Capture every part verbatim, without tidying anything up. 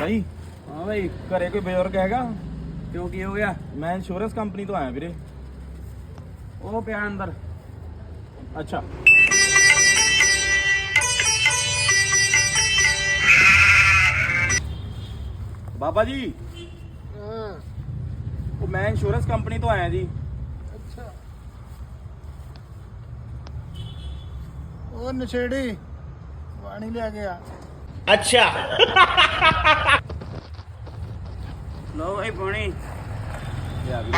भाई हाँ भाई घरे कोई बजुर्ग हैगा? क्यों की हो गया? मैं इंश्योरेंस कंपनी तो आया वीरे। वो पिया अंदर। अच्छा बाबा जी, वो मैं इंश्योरेंस कंपनी तो आया जी। अच्छा ਉਹ ਨਸ਼ੇੜੀ ਪਾਣੀ ਲਿਆ ਗਿਆ। अच्छा लो भाई पानी। ਲਿਆ ਵੀਰੇ।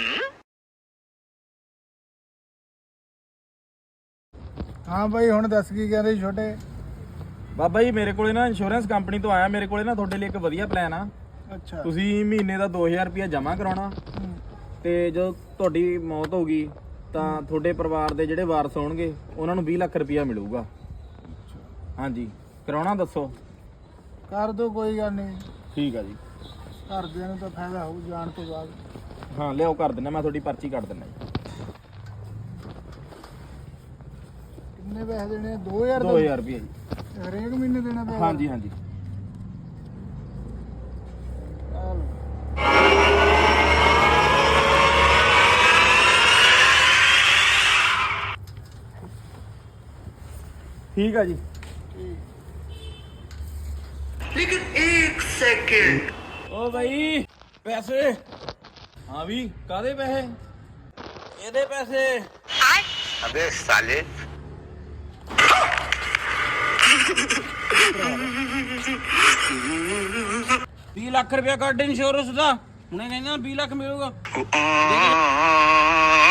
ਹਾਂ ਬਾਈ ਹੁਣ ਦੱਸ ਕੀ ਕਹਿੰਦੇ ਸੀ ਛੋਟੇ? ਬਾਬਾ ਜੀ ਮੇਰੇ ਕੋਲੇ ਨਾ ਇੰਸ਼ੋਰੈਂਸ ਕੰਪਨੀ ਤੋਂ ਆਇਆ, ਮੇਰੇ ਕੋਲੇ ਨਾ ਤੁਹਾਡੇ ਲਈ ਇੱਕ ਵਧੀਆ ਪਲਾਨ ਆ। ਅੱਛਾ ਤੁਸੀਂ ਮਹੀਨੇ ਦਾ ਦੋ ਹਜ਼ਾਰ ਰੁਪਇਆ ਜਮ੍ਹਾਂ ਕਰਾਉਣਾ ਹੂੰ, ਤੇ ਜਦੋਂ ਤੁਹਾਡੀ ਮੌਤ ਹੋ ਗਈ ਤਾਂ ਤੁਹਾਡੇ ਪਰਿਵਾਰ ਦੇ ਜਿਹੜੇ ਵਾਰਸ ਹੋਣਗੇ ਉਹਨਾਂ ਨੂੰ ਵੀਹ ਲੱਖ ਰੁਪਇਆ ਮਿਲੂਗਾ। ਹਾਂਜੀ ਕਰਾਉਣਾ ਦੱਸੋ? ਕਰ ਦੋ ਕੋਈ ਗੱਲ ਨਹੀਂ। ਠੀਕ ਆ ਜੀ। ਘਰਦਿਆਂ ਨੂੰ ਤਾਂ ਫਾਇਦਾ ਹੋਊ ਜਾਣ ਤੋਂ ਬਾਅਦ। ਹਾਂ ਲਿਆਓ ਕਰ ਦਿੰਦਾ, ਮੈਂ ਤੁਹਾਡੀ ਪਰਚੀ ਕੱਟ ਦਿੰਦਾ ਜੀ। ਕਿੰਨੇ ਪੈਸੇ ਦੇਣੇ? ਦੋ ਹਜ਼ਾਰ ਦੋ ਹਜ਼ਾਰ ਰੁਪਇਆ ਜੀ। ਹਰੇਕ ਮਹੀਨੇ ਦੇਣਾ ਪੈਣਾ? ਹਾਂਜੀ ਹਾਂਜੀ ਆਹ ਲਓ। ਠੀਕ ਆ ਜੀ। ਓ ਭਾਈ ਪੈਸੇ। ਹਾਂ ਵੀ ਕਾਦੇ ਪੈਸੇ? ਇਹਦੇ ਪੈਸੇ। अबे साले बीस लाख रुपया ਕੱਢ ਇੰਸ਼ੋਰੈਂਸ ਦਾ। ਹੁਣੇ ਕਹਿੰਦਾ बीस ਲੱਖ ਮਿਲੂਗਾ।